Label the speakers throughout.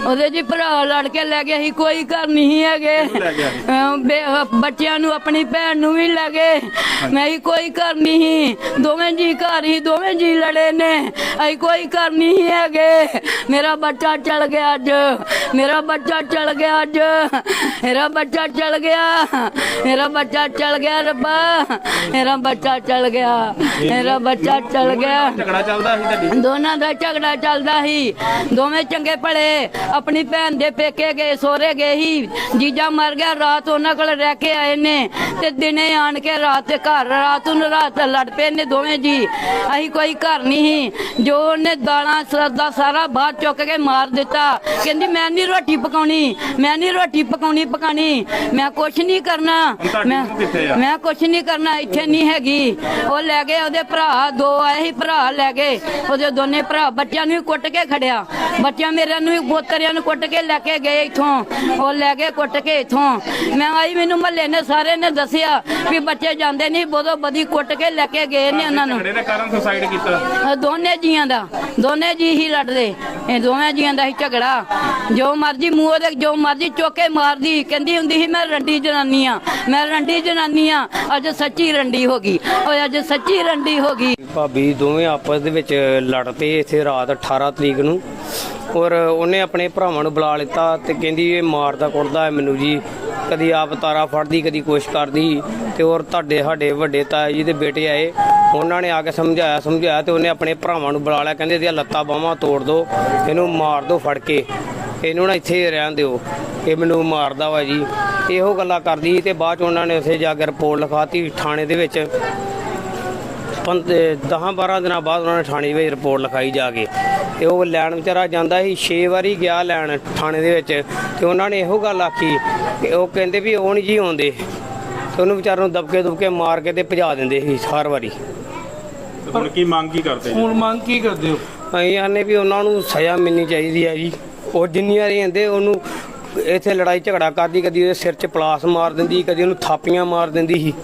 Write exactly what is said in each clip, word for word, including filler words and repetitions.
Speaker 1: ਉਹਦੇ ਜੀ ਭਰਾ ਲੜ ਕੇ ਲੈ ਗਏ ਸੀ, ਕੋਈ ਘਰ ਨਹੀਂ ਹੈਗੇ। ਬੱਚਿਆਂ ਨੂੰ ਆਪਣੀ ਭੈਣ ਨੂੰ ਵੀ ਲੈ ਗਏ। ਮੈਂ ਹੀ ਕੋਈ ਘਰ ਨਹੀਂ ਸੀ, ਦੋਵੇਂ ਜੀ ਘਰ ਹੀ, ਦੋਵੇਂ ਜੀ ਲੜੇ ਨੇ। ਅਸੀਂ ਕੋਈ ਘਰ ਨਹੀਂ ਹੈਗੇ। ਮੇਰਾ ਬੱਚਾ ਚਲ ਗਿਆ ਅੱਜ, ਮੇਰਾ ਬੱਚਾ ਚਲ ਗਿਆ ਅੱਜ, ਮੇਰਾ ਬੱਚਾ ਚਲ ਗਿਆ, ਮੇਰਾ ਬੱਚਾ ਚਲ ਗਿਆ ਰੱਬਾ, ਮੇਰਾ ਬੱਚਾ ਚਲ ਗਿਆ, ਮੇਰਾ ਬੱਚਾ ਚਲ ਗਿਆ।
Speaker 2: ਝਗੜਾ ਚੱਲਦਾ ਸੀ ਤੁਹਾਡੀ?
Speaker 1: ਦੋਨਾਂ ਦਾ ਝਗੜਾ ਚੱਲਦਾ ਸੀ। ਦੋਵੇਂ ਚੰਗੇ ਭਲੇ ਆਪਣੀ ਭੈਣ ਦੇ ਪੇਕੇ ਗਏ, ਸੋਹਰੇ ਗਏ ਸੀ। ਜੀਜਾ ਮਰ ਗਿਆ, ਰਾਤ ਉਹਨਾਂ ਕੋਲ ਰਹਿ ਕੇ ਆਏ ਨੇ ਤੇ ਦਿਨੇ ਆਣ ਕੇ ਰਾਤ ਤੇ ਘਰ ਰਾਤ ਨੂੰ ਰਾਤ ਲੜ ਪਏ ਨੇ ਦੋਵੇਂ ਜੀ। ਅਸੀਂ ਕੋਈ ਘਰ ਨਹੀਂ ਸੀ। ਜੋ ਉਹਨੇ ਦਾਲਾਂ ਸਰਦਾ ਸਾਰਾ ਬਾਹਰ ਚੁੱਕ ਕੇ ਮਾਰ ਦਿੱਤਾ। ਕਹਿੰਦੀ ਮੈਂ ਨਹੀਂ ਰੋਟੀ ਪਕਾਉਣੀ, ਮੈਂ ਨਹੀਂ ਰੋਟੀ ਪਕਾਉਣੀ ਪਕਾਣੀ, ਮੈਂ ਕੁਛ ਨਹੀਂ ਕਰਨਾ, ਮੈਂ ਮੈਂ ਕੁਛ ਨਹੀਂ ਕਰਨਾ, ਇੱਥੇ ਨਹੀਂ ਹੈਗੀ। ਉਹ ਲੈ ਗਏ, ਉਹਦੇ ਭਰਾ ਦੋ ਆਏ ਸੀ, ਭਰਾ ਲੈ ਗਏ ਉਹਦੇ ਦੋਨੇ ਭਰਾ। ਬੱਚਿਆਂ ਨੂੰ ਵੀ ਕੁੱਟ ਕੇ ਖੜਿਆ, ਬੱਚਿਆਂ ਮੇਰੇ ਨੂੰ ਵੀ ਗੋਤਰਿਆਂ ਨੂੰ ਕੁੱਟ ਕੇ ਲੈ ਕੇ ਗਏ ਇੱਥੋਂ। ਉਹ ਲੈ ਗਏ ਕੁੱਟ ਕੇ ਇੱਥੋਂ। ਮੈਂ ਆਈ, ਮੈਨੂੰ ਮਹੱਲੇ ਨੇ ਸਾਰੇ ਨੇ ਦੱਸਿਆ ਵੀ ਬੱਚੇ ਜਾਂਦੇ ਨਹੀਂ, ਬੋਦੋ ਬਦੀ ਕੁੱਟ ਕੇ ਲੈ ਕੇ ਗਏ ਨੇ ਉਹਨਾਂ ਨੂੰ।
Speaker 2: ਇਹਦੇ ਕਾਰਨ ਸੁਸਾਈਡ ਕੀਤਾ?
Speaker 1: ਦੋਨੇ ਜੀਆਂ ਦਾ, ਦੋਨੇ ਜੀ ਹੀ ਲੜਦੇ, ਇਹ ਦੋਵੇਂ ਜੀਆਂ ਦਾ ਹੀ ਝਗੜਾ। ਜੋ ਮਰਜੀ ਮੂੰਹ ਦੇ ਜੋ ਮਰਜੀ ਚੋਕੇ ਮਾਰਦੀ। ਕਹਿੰਦੀ ਹੁੰਦੀ ਸੀ ਮੈਂ ਰੰਡੀ ਜਨਾਨੀ ਆ, ਮੈਂ ਰੰਡੀ ਜਨਾਨੀ ਆ। ਅੱਜ ਸੱਚੀ ਰੰਡੀ ਹੋ ਗਈ, ਉਹ ਅੱਜ ਸੱਚੀ ਰੰਡੀ ਹੋ ਗਈ।
Speaker 3: ਭਾਬੀ ਦੋਵੇਂ ਆਪਸ ਦੇ ਵਿੱਚ ਲੜ ਪਏ ਇੱਥੇ ਰਾਤ ਅਠਾਰਾਂ ਤਰੀਕ ਨੂੰ। ਔਰ ਉਹਨੇ ਆਪਣੇ ਭਰਾਵਾਂ ਨੂੰ ਬੁਲਾ ਲਿੱਤਾ ਤੇ ਕਹਿੰਦੀ ਇਹ ਮਾਰਦਾ ਕੁੱਟਦਾ ਹੈ ਮੈਨੂੰ ਜੀ, ਕਦੀ ਆਪ ਤਾਰਾ ਫੜਦੀ, ਕਦੀ ਕੁਛ ਕਰਦੀ। ਤੇ ਔਰ ਤੁਹਾਡੇ ਸਾਡੇ ਵੱਡੇ ਤਾਏ ਜੀ ਦੇ ਬੇਟੇ ਆਏ, ਉਹਨਾਂ ਨੇ ਆ ਕੇ ਸਮਝਾਇਆ ਸਮਝਾਇਆ ਤੇ ਉਹਨੇ ਆਪਣੇ ਭਰਾਵਾਂ ਨੂੰ ਬੁਲਾ ਲਿਆ। ਕਹਿੰਦੇ ਇਹਦੀਆਂ ਲੱਤਾਂ ਬਾਹਾਂ ਤੋੜ ਦਿਓ, ਇਹਨੂੰ ਮਾਰ ਦਿਓ ਫੜ ਕੇ, ਇਹਨੂੰ ਨਾ ਇੱਥੇ ਰਹਿਣ ਦਿਓ, ਇਹ ਮੈਨੂੰ ਮਾਰਦਾ ਵਾ ਜੀ। ਇਹੋ ਗੱਲਾਂ ਕਰਦੀ ਤੇ ਬਾਅਦ 'ਚ ਉਹਨਾਂ ਨੇ ਉੱਥੇ ਜਾ ਕੇ ਰਿਪੋਰਟ ਲਿਖਾਤੀ ਥਾਣੇ ਦੇ ਵਿੱਚ। ਦਸਾਂ ਬਾਰਾਂ ਦਿਨਾਂ ਬਾਅਦ ਉਹਨਾਂ ਨੇ ਥਾਣੇ ਵਿੱਚ ਰਿਪੋਰਟ ਲਿਖਾਈ ਜਾ ਕੇ। ਤੇ ਉਹ ਲੈਣ ਵਿਚਾਰਾ ਜਾਂਦਾ ਸੀ, ਛੇ ਵਾਰੀ ਗਿਆ ਲੈਣ ਥਾਣੇ ਦੇ ਵਿੱਚ। ਤੇ ਉਹਨਾਂ ਨੇ ਇਹੋ ਗੱਲ ਆਖੀ ਕਿ ਉਹ ਕਹਿੰਦੇ ਵੀ ਉਹ ਨਹੀਂ ਜੀ ਆਉਂਦੇ, ਤੇ ਉਹਨੂੰ ਵਿਚਾਰੇ ਨੂੰ ਦਬਕੇ ਦੁਬਕੇ ਮਾਰ ਕੇ ਤੇ ਭਜਾ ਦਿੰਦੇ ਸੀ ਹਰ ਵਾਰੀ।
Speaker 2: ਹੁਣ ਕੀ ਮੰਗ ਕੀ ਕਰਦੇ?
Speaker 4: ਹੁਣ ਮੰਗ ਕੀ ਕਰਦੇ ਹੋ?
Speaker 3: ਅਸੀਂ ਆਨੇ ਵੀ ਉਹਨਾਂ ਨੂੰ ਸਜ਼ਾ ਮਿਲਣੀ ਚਾਹੀਦੀ ਹੈ ਜੀ। ਉਹ ਜਿੰਨੀ ਵਾਰੀ ਆਂਦੇ ਉਹਨੂੰ ਇੱਥੇ ਲੜਾਈ ਝਗੜਾ ਕਰਦੀ, ਕਦੀ ਉਹਦੇ ਸਿਰ 'ਚ ਪਲਾਸ ਮਾਰ ਦਿੰਦੀ, ਕਦੀ ਉਹਨੂੰ ਥਾਪੀਆਂ ਮਾਰ ਦਿੰਦੀ ਸੀ।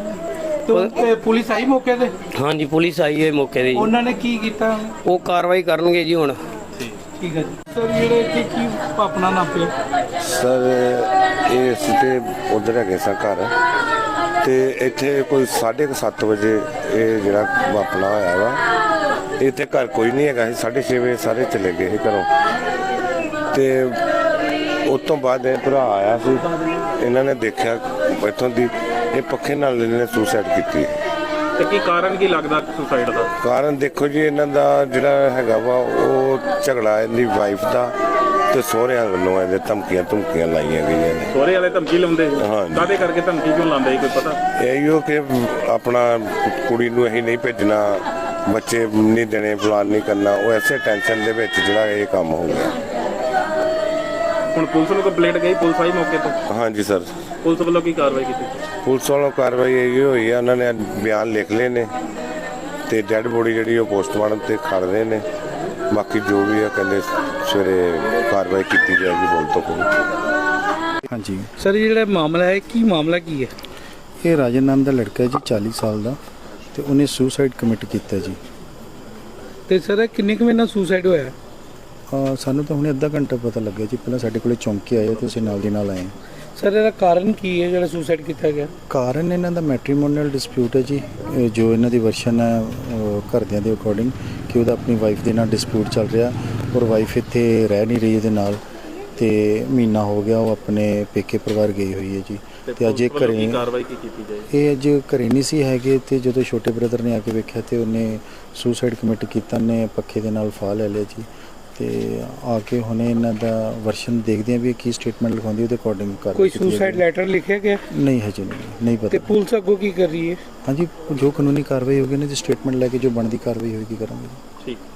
Speaker 4: ਤੇ ਪੁਲਿਸ ਆਈ ਮੌਕੇ ਤੇ?
Speaker 3: ਹਾਂਜੀ ਪੁਲਿਸ ਆਈ ਹੈ ਮੌਕੇ ਤੇ ਜੀ।
Speaker 4: ਉਹਨਾਂ ਨੇ ਕੀ ਕੀਤਾ?
Speaker 3: ਉਹ ਕਾਰਵਾਈ ਕਰਨਗੇ ਜੀ ਹੁਣ।
Speaker 4: ਠੀਕ ਹੈ ਜੀ। ਸਰ ਜਿਹੜੇ ਇੱਥੇ ਕੀ ਆਪਣਾ ਨਾਮ ਪਿਆ?
Speaker 5: ਸਰ ਇਹ ਅਸੀਂ ਤੇ ਉਧਰ ਹੈਗੇ ਸਾਂ ਘਰ, ਤੇ ਇੱਥੇ ਕੋਈ ਸਾਢੇ ਕੁ ਸੱਤ ਵਜੇ ਇਹ ਜਿਹੜਾ ਵਾਪਣਾ ਹੋਇਆ ਵਾ। ਇੱਥੇ ਘਰ ਕੋਈ ਨਹੀਂ ਹੈਗਾ ਸੀ। ਸਾਢੇ ਛੇ ਵਜੇ ਸਾਰੇ ਚਲੇ ਗਏ ਸੀ ਘਰੋਂ। ਤੇ ਉਸ ਤੋਂ ਬਾਅਦ ਇਹ ਭਰਾ ਆਇਆ ਸੀ, ਇਹਨਾਂ ਨੇ ਦੇਖਿਆ ਇੱਥੋਂ ਦੀ ਇਹ ਪੱਖੇ ਨਾਲ ਇਹਨੇ ਸੁਸਾਈਡ ਕੀਤੀ।
Speaker 2: ਤੇ ਕੀ ਕਾਰਨ ਕੀ ਲੱਗਦਾ ਸੁਸਾਈਡ ਦਾ?
Speaker 5: ਕਾਰਨ ਦੇਖੋ ਜੀ, ਇਹਨਾਂ ਦਾ ਜਿਹੜਾ ਹੈਗਾ ਵਾ ਉਹ ਝਗੜਾ ਇਹਦੀ ਵਾਈਫ ਦਾ ਤੇ ਸਹੁਰਿਆਂ ਵੱਲੋਂ ਇਹਦੇ ਧਮਕੀਆਂ ਧਮਕੀਆਂ ਲਾਈਆਂ ਗਈਆਂ ਨੇ।
Speaker 2: ਸਹੁਰੇ ਵਾਲੇ ਧਮਕੀ ਲਾਉਂਦੇ?
Speaker 5: ਹਾਂ।
Speaker 2: ਕਾਹਦੇ ਕਰਕੇ ਧਮਕੀ ਕਿਉਂ ਲਾਉਂਦੇ ਸੀ, ਕੋਈ ਪਤਾ?
Speaker 5: ਇਹੋ ਕਿ ਆਪਣਾ ਕੁੜੀ ਨੂੰ ਅਸੀਂ ਨਹੀਂ ਭੇਜਣਾ, ਬੱਚੇ ਨਹੀਂ ਦੇਣੇ, ਫਲਾਨ ਨਹੀਂ ਕਰਨਾ। ਉਹ ਐਸੇ ਟੈਨਸ਼ਨ ਦੇ ਵਿੱਚ ਜਿਹੜਾ ਇਹ ਕੰਮ ਹੋ ਗਿਆ।
Speaker 2: ਹੁਣ ਪੁਲਿਸ ਨੂੰ ਕੰਪਲੇਂਟ ਗਈ, ਪੁਲਿਸ ਆਈ ਮੌਕੇ ਤੇ?
Speaker 5: ਹਾਂਜੀ ਸਰ।
Speaker 2: ਪੁਲਿਸ ਵੱਲੋਂ ਕੀ ਕਾਰਵਾਈ ਕੀਤੀ?
Speaker 5: ਪੁਲਿਸ ਵੱਲੋਂ ਕਾਰਵਾਈ ਇਹ ਹੋਈ ਆ, ਉਹਨਾਂ ਨੇ ਬਿਆਨ ਲਿਖ ਲਏ ਨੇ ਤੇ ਡੈੱਡ ਬੋਡੀ ਜਿਹੜੀ ਉਹ ਪੋਸਟਮਾਰਟਮ ਤੇ ਖੜ ਰਹੇ ਨੇ। ਬਾਕੀ ਜੋ ਵੀ ਆ ਕਹਿੰਦੇ ਸਵੇਰੇ ਕਾਰਵਾਈ ਕੀਤੀ ਜਾਏਗੀ ਬੋਲ ਤੋਂ ਕੋਈ।
Speaker 4: ਹਾਂਜੀ ਸਰ, ਜਿਹੜਾ ਮਾਮਲਾ ਹੈ ਕੀ ਮਾਮਲਾ ਕੀ ਹੈ?
Speaker 6: ਇਹ ਰਾਜਨ ਨਾਮ ਦਾ ਲੜਕਾ ਹੈ ਜੀ, ਚਾਲੀ ਸਾਲ ਦਾ, ਤੇ ਉਹਨੇ ਸੁਸਾਈਡ ਕਮਿਟ ਕੀਤਾ ਜੀ।
Speaker 4: ਤੇ ਸਰ ਕਿੰਨੇ ਕੁ ਵਜੇ ਨਾਲ ਸੁਸਾਈਡ ਹੋਇਆ?
Speaker 6: ਆ ਸਾਨੂੰ ਤਾਂ ਹੁਣੇ ਅੱਧਾ ਘੰਟਾ ਪਤਾ ਲੱਗਿਆ ਜੀ। ਪਹਿਲਾਂ ਸਾਡੇ ਕੋਲੇ ਚੌਂਕੀ ਆਏ ਤੇ ਅਸੀਂ ਨਾਲ ਦੀ ਨਾਲ ਆਏ।
Speaker 4: ਸਰ ਇਹਦਾ ਕਾਰਨ ਕੀ ਹੈ ਜਿਹੜਾ ਸੁਸਾਈਡ ਕੀਤਾ ਗਿਆ?
Speaker 6: ਕਾਰਨ ਇਹਨਾਂ ਦਾ ਮੈਟਰੀਮੋਨੀਅਲ ਡਿਸਪਿਊਟ ਹੈ ਜੀ। ਇਹ ਜੋ ਇਹਨਾਂ ਦੀ ਵਰਸ਼ਨ ਹੈ ਘਰਦਿਆਂ ਦੇ ਅਕੋਰਡਿੰਗ ਕਿ ਉਹਦਾ ਆਪਣੀ ਵਾਈਫ ਦੇ ਨਾਲ ਡਿਸਪਿਊਟ ਚੱਲ ਰਿਹਾ, ਔਰ ਵਾਈਫ ਇੱਥੇ ਰਹਿ ਨਹੀਂ ਰਹੀ ਇਹਦੇ ਨਾਲ, ਤੇ ਮਹੀਨਾ ਹੋ ਗਿਆ ਉਹ ਆਪਣੇ ਪੇਕੇ ਪਰਿਵਾਰ ਗਈ ਹੋਈ ਹੈ ਜੀ। ਤੇ ਅੱਜ ਇਹ ਘਰੇ
Speaker 2: ਕਾਰਵਾਈ ਕੀ ਕੀਤੀ ਜਾਏ?
Speaker 6: ਇਹ ਅੱਜ ਘਰੇ ਨਹੀਂ ਸੀ ਹੈਗੇ, ਤੇ ਜਦੋਂ ਛੋਟੇ ਬ੍ਰਦਰ ਨੇ ਆ ਕੇ ਵੇਖਿਆ ਤੇ ਉਹਨੇ ਸੁਸਾਈਡ ਕਮਿਟ ਕੀਤਾ, ਨੇ ਪੱਖੇ ਦੇ ਨਾਲ ਫਾਹ ਲੈ ਲਿਆ ਜੀ। ਤੇ ਆ ਕੇ ਹੁਣੇ ਇਹਨਾਂ ਦਾ ਵਰਸ਼ਨ ਦੇਖਦੇ ਆ ਵੀ ਕੀ ਸਟੇਟਮੈਂਟ ਲਿਖਾਉਂਦੀ, ਉਹਦੇ ਅਕੋਰਡਿੰਗ ਕਰ।
Speaker 4: ਕੋਈ ਸੁਸਾਈਡ ਲੈਟਰ ਲਿਖਿਆ ਗਿਆ?
Speaker 6: ਨਹੀਂ ਹਜੇ ਨਹੀਂ ਨਹੀਂ ਪਤਾ।
Speaker 4: ਤੇ ਪੁਲਿਸ ਅੱਗੋਂ ਕੀ ਕਰ ਰਹੀ ਹੈ?
Speaker 6: ਹਾਂਜੀ ਜੋ ਕਾਨੂੰਨੀ ਕਾਰਵਾਈ ਹੋਗੀ ਨਾ ਜੀ, ਸਟੇਟਮੈਂਟ ਲੈ ਕੇ ਜੋ ਬਣਦੀ ਕਾਰਵਾਈ ਹੋਏਗੀ ਕਰਾਂਗੇ।
Speaker 2: ਠੀਕ।